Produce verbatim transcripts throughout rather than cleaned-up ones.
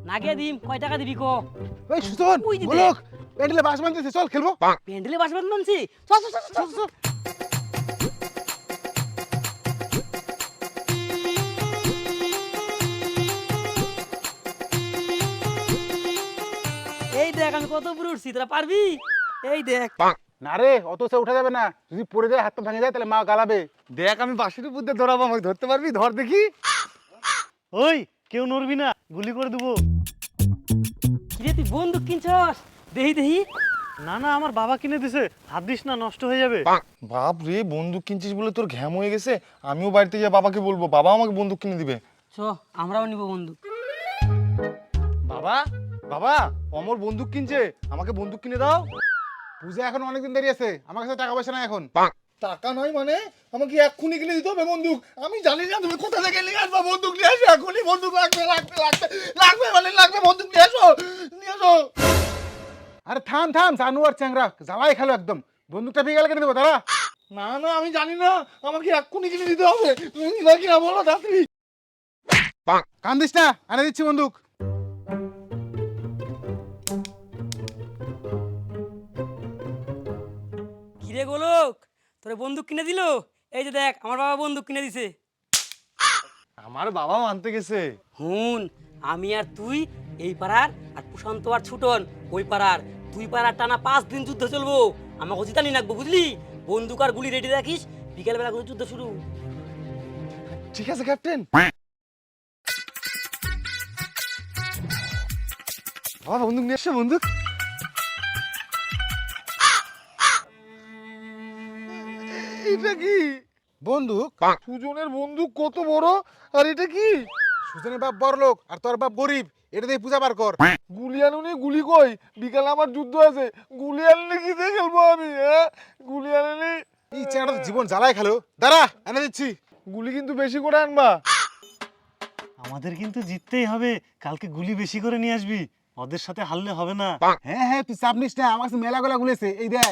নাগে দিম কয় টাকা দিবি কো? ওই সুজন ওই যে গোলক প্যান্ডেলে বাস বাঁধতেছে, চল খেলবো। প্যান্ডেলে বাস বাঁধছি, চল চল চল চল। এই দেখ আমি কত উপরে উঠছি, তোরা পারবি? এই দেখ। না রে, অত সে উঠা যাবে না, যদি পড়ে যায় হাত পা ভেঙে যায় তাহলে মা গালাবে। দেখ আমি বাঁশির উপর দিয়ে ধরাবো, আমাকে ধরতে পারবি? ধর দেখি। ওই কেউ নড়বি না, গুলি করে দেবো। কিরে তুই বন্দুক কিনছস? দেহি দেহি। না না, আমার বাবা কিনে দিছে, হাত দিস না, নষ্ট হয়ে যাবে। বাপ রে, বন্দুক কিনছিস বলে তোর ঘ্যাম হয়ে গেছে। আমিও বাড়িতে গিয়ে বাবাকে বলবো, বাবা আমাকে বন্দুক কিনে দিবে। চ আমরাও নিব বন্দুক। বাবা বাবা, অমর বন্দুক কিনছে, আমাকে বন্দুক কিনে দাও। পূজা এখন অনেকদিন দেরি আছে, আমার কাছে টাকা পয়সা নাই এখন। টাকা নয় মানে আমাকে এক্ষুনি কিনে দিতে হবে বন্দুক। আমি জানি না তুমি কোথা থেকে নিয়ে আসবা, বন্দুক নিয়ে আসো এক্ষুনি। বন্দুক লাগবে লাগবে লাগবে লাগবে মানে লাগবে, বন্দুক নিয়ে আসো নিয়ে আসো। আরে থাম থাম, জানু আর চ্যাংরা জ্বালাই খেলো একদম। বন্দুকটা পেয়ে গেলে কেটে দেবো দাঁড়া। না না আমি জানি না, আমাকে এক্ষুনি কিনে দিতে হবে। তুমি নিবা কিনা বলো তাড়াতাড়ি। কান্দিস না, আনে দিচ্ছি বন্দুক। কিরে গোলক, তোরে বন্দুক কিনে দিল? এই যে দেখ আমার বাবা বন্দুক কিনে দিছে। আমার বাবাও আনতে গেছে। হুন, আমি আর তুই এই পাড়ার, আর প্রশান্ত আর ছুটন ওই পাড়ার, দুই পাড়ার টানা পাঁচ দিন যুদ্ধ চলবো। আমাকে জিতানি রাখবো বুঝলি? বন্দুক আর গুলি রেডি রাখিস, বিকেল বেলা করে যুদ্ধ শুরু। ঠিক আছে ক্যাপ্টেন। বাবা বন্দুক নিয়ে এসছে, বন্দুক। এটা কি? বন্দুক? সুজনের বন্দুক কত বড়, আর এটা কি? সুজনের বাপ বড় লোক আর তোর বাপ গরিব, এটা দিয়ে পূজা বার কর। গুলি আনুনি, গুলি কই? বিকালে আমার যুদ্ধ আছে, গুলি আনলে কি দিয়ে খেলবো আমি? হ্যাঁ, গুলি আনেনি। এই চ্যাংরা তো জীবন জ্বালাই খেলো, দাঁড়া এনে দিচ্ছি। গুলি কিন্তু বেশি করে আনবা। আমাদের কিন্তু জিততেই হবে, কালকে গুলি বেশি করে নিয়ে আসবি, ওদের সাথে হারলে হবে না। হ্যাঁ হ্যাঁ, তুই চাপ নিস না, আমার কাছে মেলা গোলা গুলেছে, এই দেখ।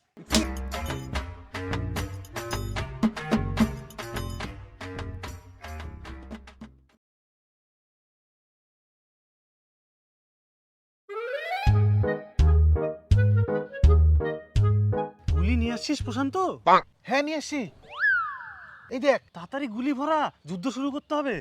গুলি নিয়ে আসছিস প্রশান্ত? হ্যাঁ নিয়ে আসছি, এই দেখ। তাড়াতাড়ি গুলি ভরা, যুদ্ধ শুরু করতে হবে।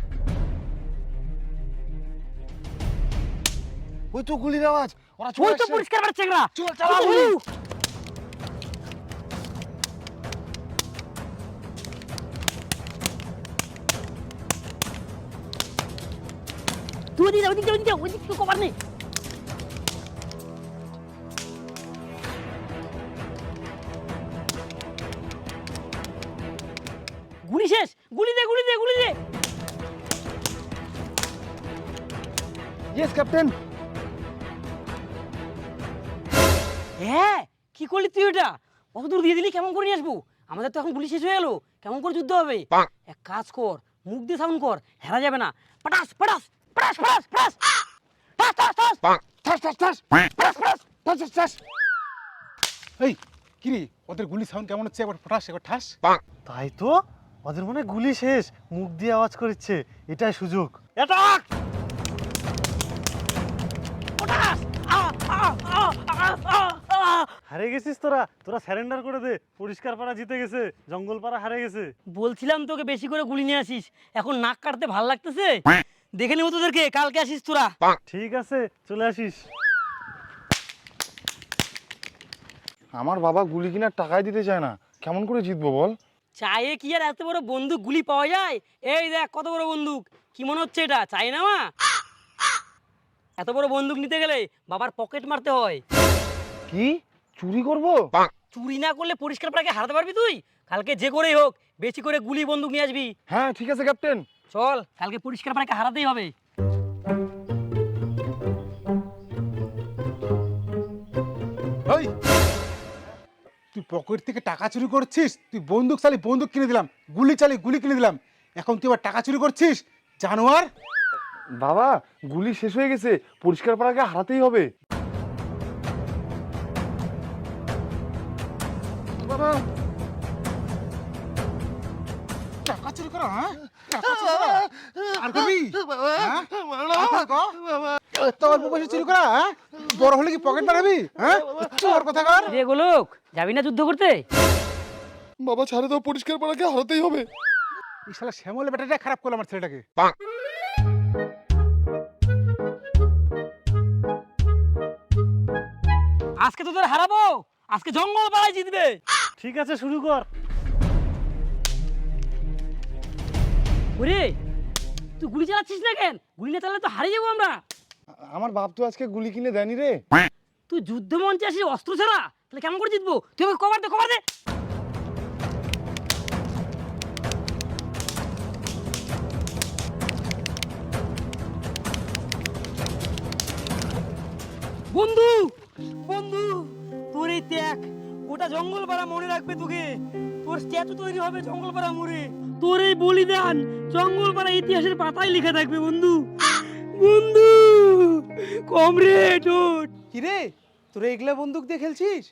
ওই তো গুলির আওয়াজ, ওরা চলে ওই তো আসছে। পরিষ্কার বাড়ছে চেংরা। চল চালাও। তুই ওদিকে যা, ওদিকে যা, ওদিকে যা, ওদিকে কেউ কভার নেই। গুলি শেষ, গুলি দে গুলি দে গুলি দে। Yes captain. হ্যাঁ, কি করলি তুই ওটা? অত দূর দিয়ে দিলি, কেমন করে নিয়ে আসবো? আমাদের তো এখন গুলি শেষ হয়ে গেল, কেমন করে যুদ্ধ হবে? এক কাজ কর, মুখ দিয়ে সাউন্ড কর, হেরা যাবে না। পটাস পটাস পটাস পটাস পটাস টাস টাস টাস ঠাস ঠাস ঠাস ঠাস ঠাস ঠাস ঠাস ঠাস। এই কিরে, ওদের গুলি সাউন্ড কেমন হচ্ছে? একবার ফটাস একবার ঠাস। তাই তো, ওদের মনে হয় গুলি শেষ, মুখ দিয়ে আওয়াজ করছে, এটাই সুযোগ। অ্যাটাক! পটাস আ আ আ আ আ আ। হারে গেছিস তোরা, তোরা স্যারেন্ডার করে দে। পরিষ্কার পাড়া জিতে গেছে, জঙ্গল পাড়া হারে গেছে। বলছিলাম তোকে বেশি করে গুলি নিয়ে আসিস, এখন নাক কাটতে ভাল লাগতেছে। দেখে নেবো তোদেরকে, কালকে আসিস তোরা। ঠিক আছে, চলে আসিস। আমার বাবা গুলি কিনার টাকাই দিতে চায় না, কেমন করে জিতবো বল? চায়ে কি আর এত বড় বন্দুক গুলি পাওয়া যায়? এই দেখ কত বড় বন্দুক, কি মনে হচ্ছে এটা চাই না মা? এত বড় বন্দুক নিতে গেলে বাবার পকেট মারতে হয়। কি চুরি করব? চুরি না করলে পরিষ্কার পাড়াকে হারাতে পারবি তুই? কালকে যে করেই হোক বেশি করে গুলি বন্দুক নিয়ে আসবি। হ্যাঁ ঠিক আছে ক্যাপ্টেন। চল, কালকে পরিষ্কার পাড়াকে হারাতেই হবে। ওই তুই পকেট থেকে টাকা চুরি করছিস? তুই বন্দুক চালি বন্দুক কিনে দিলাম, গুলি চালি গুলি কিনে দিলাম, এখন তুই আবার টাকা চুরি করছিস? জানোয়ার! বাবা গুলি শেষ হয়ে গেছে, পরিষ্কার পাড়াকে হারাতেই হবে। বাবা টাকা চুরি করা, হ্যাঁ? আর করবি হ্যাঁ? আর করবি ক? এত অল্প বয়সে চুরি করা হ্যাঁ? বড় হলে কি পকেট বাড়াবি হ্যাঁ চোর কথা কর। রে গোলক যাবি না যুদ্ধ করতে? বাবা ছাড়ে দাও, পরিষ্কার পাড়াকে হারাতেই হবে। এই শালা শ্যামল বেটাটা খারাপ করলো আমার ছেলেটাকে। আজকে তোদের হারাবো, আজকে জঙ্গল পাড়ায় জিতবে। ঠিক আছে, শুরু কর। ওরে তুই গুলি চালাচ্ছিস না কেন? গুলি না চালালে তো হারিয়ে যাবো আমরা। আমার বাপ তো আজকে গুলি কিনে দেয়নি রে। তুই যুদ্ধ মঞ্চে আসিস অস্ত্র ছাড়া, তাহলে কেমন করে জিতবো? তুই আমাকে কভার দে, কভার দে। বন্ধু বন্ধু তোর এই ত্যাগ গোটা জঙ্গল পাড়া মনে রাখবে তোকে। তোর স্ট্যাচু তৈরি হবে জঙ্গল পাড়া মোড়ে। তোর এই বলিদান জঙ্গল পাড়া ইতিহাসের পাতায় লেখা থাকবে বন্ধু। বন্ধু কমরেড ওঠ। কিরে তোরা এগুলা বন্দুক দিয়ে খেলছিস?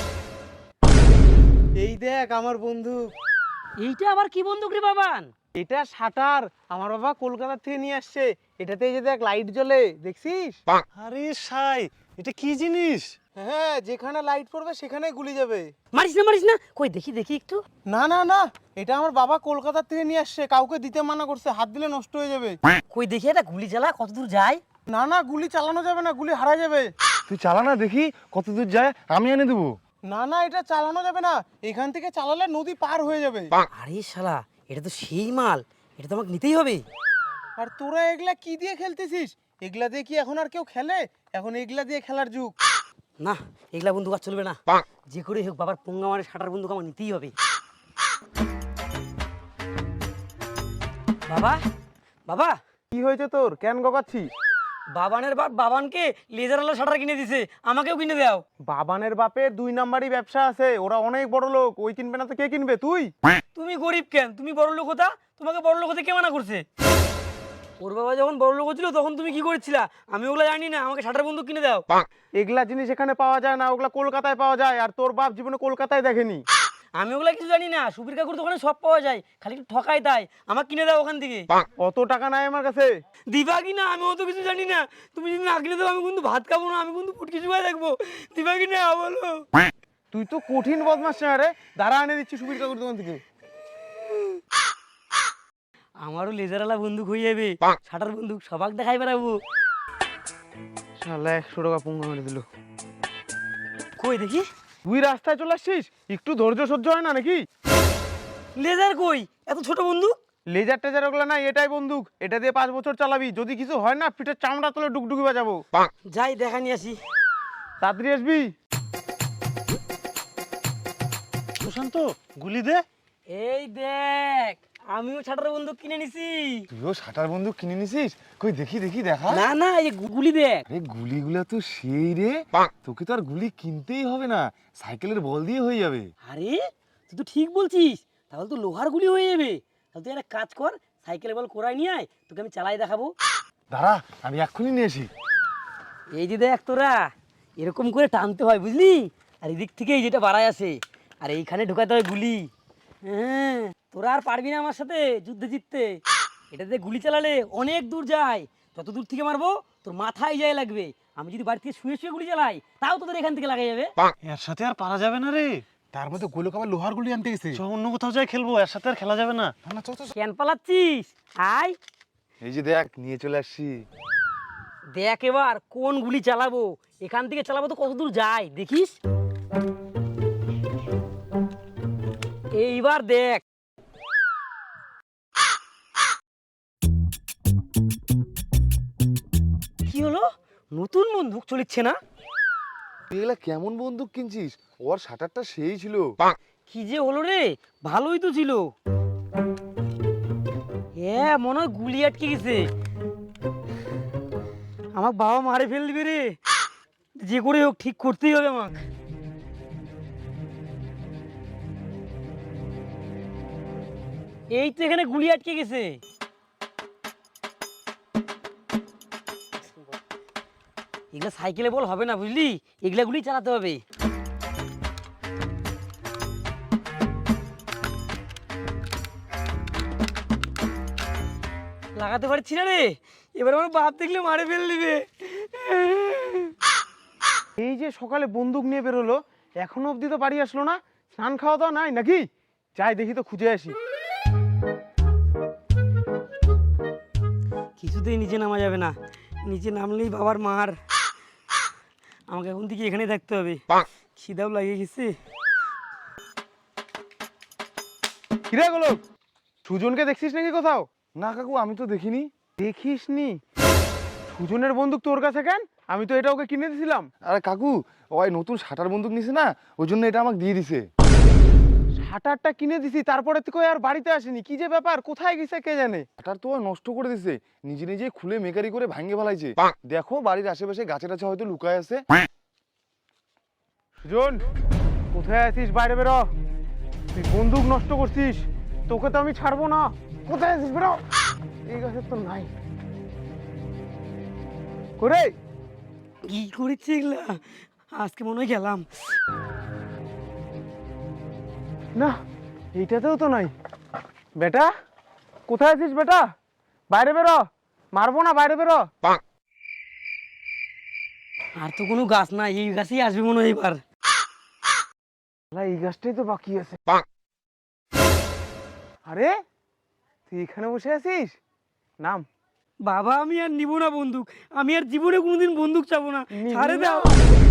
এই দেখ আমার বন্দুক। এইটা আবার কি বন্দুক রে বাবান? এটা শাটার, আমার বাবা কলকাতা থেকে নিয়ে আসছে। এটাতে এই যে দেখ লাইট জ্বলে, দেখছিস? আরে সাই, এটা কি জিনিস? হ্যাঁ, যেখানে লাইট পড়বে সেখানে গুলি যাবে। মারিস না মারিস না, কই দেখি দেখি একটু। না না না, এটা আমার বাবা কলকাতা থেকে নিয়ে আসছে, কাউকে দিতে মানা করছে, হাত দিলে নষ্ট হয়ে যাবে। কই দেখি এটা গুলি চালা কত দূর যায়। না না, গুলি চালানো যাবে না, গুলি হারা যাবে। তুই চালা না দেখি কত দূর যায়, আমি এনে দেবো। না না, এটা চালানো যাবে না, এখান থেকে চালালে নদী পার হয়ে যাবে। আরে শালা এটা তো সেই মাল, এটা তো আমাকে নিতেই হবে। আর তোরা এগুলা কি দিয়ে খেলতেছিস? এগুলা দিয়ে কি এখন আর কেউ খেলে? এখন এগুলা দিয়ে খেলার যুগ। না এগুলা বন্দুক আর চলবে না, যে করে হোক বাবার পোঙ্গা মারে শাটার বন্দুক আমার নিতেই হবে। বাবা বাবা কি হয়েছে তোর, কেন গগাচ্ছিস? বাবানের বাপ বাবানকে লেজার আলা শাটার কিনে দিছে, আমাকেও কিনে দাও। বাবানের বাপের দুই নাম্বারই ব্যবসা আছে, ওরা অনেক বড় লোক, ওই কিনবে না তো কে কিনবে? তুই? তুমি গরিব কেন? তুমি বড় লোক হতা, তোমাকে বড় লোক হতে কে মানা করছে? ওর বাবা যখন বড় লোক ছিল তখন তুমি কি করেছিলা? আমি ওগুলা জানি না, আমাকে শাটার বন্দুক কিনে দাও। এগুলা জিনিস এখানে পাওয়া যায় না, ওগুলা কলকাতায় পাওয়া যায়, আর তোর বাপ জীবনে কলকাতায় দেখেনি। আমি ওগুলা কিছু জানি না, সুবীর কাকুর দোকানে সব পাওয়া যায়, খালি একটু ঠকাই তাই। আমাকে কিনে দাও ওখান থেকে। অত টাকা নাই আমার কাছে। দিবা কি না? আমি অত কিছু জানি না, তুমি যদি না কিনে দাও আমি কিন্তু ভাত খাবো না, আমি কিন্তু ফুটকি চুবাই থাকবো। দিবা কি না বলো? তুই তো কঠিন বদমাস না রে, দাঁড়া এনে দিচ্ছি সুবীর কাকুর দোকান থেকে। আমারও লেজারওয়ালা বন্দুক হয়ে যাবে, শাটার বন্দুক সবাক দেখাই বেড়াবো। শালা একশো টাকা পুঙ্গা মেরে দিল। কই দেখি। তুই রাস্তায় চলে আসছিস, একটু ধৈর্য সহ্য হয় না নাকি? লেজার কই? এত ছোট বন্দুক? লেজার টেজার ওগুলা নাই, এটাই বন্দুক, এটা দিয়ে পাঁচ বছর চালাবি, যদি কিছু হয় না পিঠের চামড়া তুলে ডুকডুকি বাজাবো। যাই দেখা নিয়ে আসি। তাড়াতাড়ি আসবি। সুশান্ত, গুলি দে। এই দেখ আমিও শাটার বন্দুক কিনে নিছি। তুইও শাটার বন্দুক কিনে নিছিস? কই দেখি দেখি দেখা। না না এই যে গুলি দেখ। আরে গুলিগুলা তো সেই রে, তোকে তো আর গুলি কিনতেই হবে না, সাইকেলের বল দিয়ে হয়ে যাবে। আরে তুই তো ঠিক বলছিস, তাহলে তো লোহার গুলি হয়ে যাবে। তাহলে তুই একটা কাজ কর, সাইকেলে বল কোরাই নিয়ে আয়, তোকে আমি চালাই দেখাবো। দাঁড়া আমি এক্ষুনি নিয়ে আসি। এই যে দেখ তোরা এরকম করে টানতে হয় বুঝলি, আর এদিক থেকে এই যেটা বাড়ায় আছে, আর এইখানে ঢোকাতে হয় গুলি। হ্যাঁ তোরা আর পারবি না আমার সাথে যুদ্ধে জিততে। এটাতে গুলি চালালে অনেক দূর যায়, যত দূর থেকে মারবো তোর মাথায় যায় লাগবে। আমি যদি বাড়ি থেকে শুয়ে শুয়ে গুলি চালাই তাও তোদের এখান থেকে লাগা যাবে। এর সাথে আর পারা যাবে না রে। তার মধ্যে গোলক আবার লোহার গুলি আনতে গেছে। চ অন্য কোথাও যাই খেলবো, এর সাথে আর খেলা যাবে না। না, না, চল, চল, চল। কেন পালাচ্ছিস? আয় এই যে দেখ নিয়ে চলে আসছি। দেখ এবার কোন গুলি চালাবো, এখান থেকে চালাবো তো কত দূর যায় দেখিস। এইবার দেখ। কি হলো? নতুন বন্দুক চলিচ্ছে না? তুই এগুলা কেমন বন্দুক কিনছিস? ওর শাটারটা সেই ছিল। কি যে হলো রে, ভালোই তো ছিল। হ্যাঁ মনে হয় গুলি আটকে গেছে, আমার বাবা মারে ফেল দিবে রে। যে করে হোক ঠিক করতেই হবে আমাকে। এই তো এখানে গুলি আটকে গেছে। এগুলা সাইকেলে বল হবে না বুঝলি, এগুলা গুলি চালাতে হবে। লাগাতে পারছি না রে, এবার আমার বাপ দেখলে মারে ফেল দিবে। এই যে সকালে বন্দুক নিয়ে বেরোলো, এখনো অবধি তো বাড়ি আসলো না। স্নান খাওয়া দাওয়া নাই নাকি? যাই দেখি তো, খুঁজে আসি। কিছুতেই নিচে নামা যাবে না, নিচে নামলেই বাবার মার। আমাকে এখন থেকে এখানে থাকতে হবে, খিদাও লাগিয়ে গেছে। কিরে গোলক, সুজনকে দেখছিস নাকি কোথাও? না কাকু, আমি তো দেখিনি। দেখিস নি? সুজনের বন্দুক তোর কাছে কেন? আমি তো এটা ওকে কিনে দিয়েছিলাম। আরে কাকু, ওই নতুন শাটার বন্দুক নিছে না, ওই জন্য এটা আমাকে দিয়ে দিছে। শাটারটা কিনে দিছি, তারপরে থেকে আর বাড়িতে আসেনি। কি যে ব্যাপার, কোথায় গেছে কে জানে? শাটার তো ও নষ্ট করে দিছে, নিজে নিজে খুলে মেকারি করে ভাঙে ফেলাইছে। দেখো বাড়ির আশেপাশে গাছে টাছে হয়তো লুকায় আছে। সুজন, কোথায় আছিস? বাইরে বেরো। তুই বন্দুক নষ্ট করছিস, তোকে তো আমি ছাড়বো না। কোথায় আছিস? বেরো। এই গাছের তো নাই করে। কি করেছি এগুলা? আজকে মনে হয় গেলাম। না, এইটাতেও তো নাই। বেটা, কোথায় আছিস বেটা? বাইরে বেরো, মারবো না, বাইরে বেরো। আর তো কোনো গাছ নাই, এই গাছেই আসবে মনে হয় এবার। শালা, এই গাছটাই তো বাকি আছে। আরে তুই এখানে বসে আছিস? নাম। বাবা আমি আর নিব না বন্দুক, আমি আর জীবনে কোনোদিন বন্দুক চাবো না, নিবি ছাড়ে না? দাও।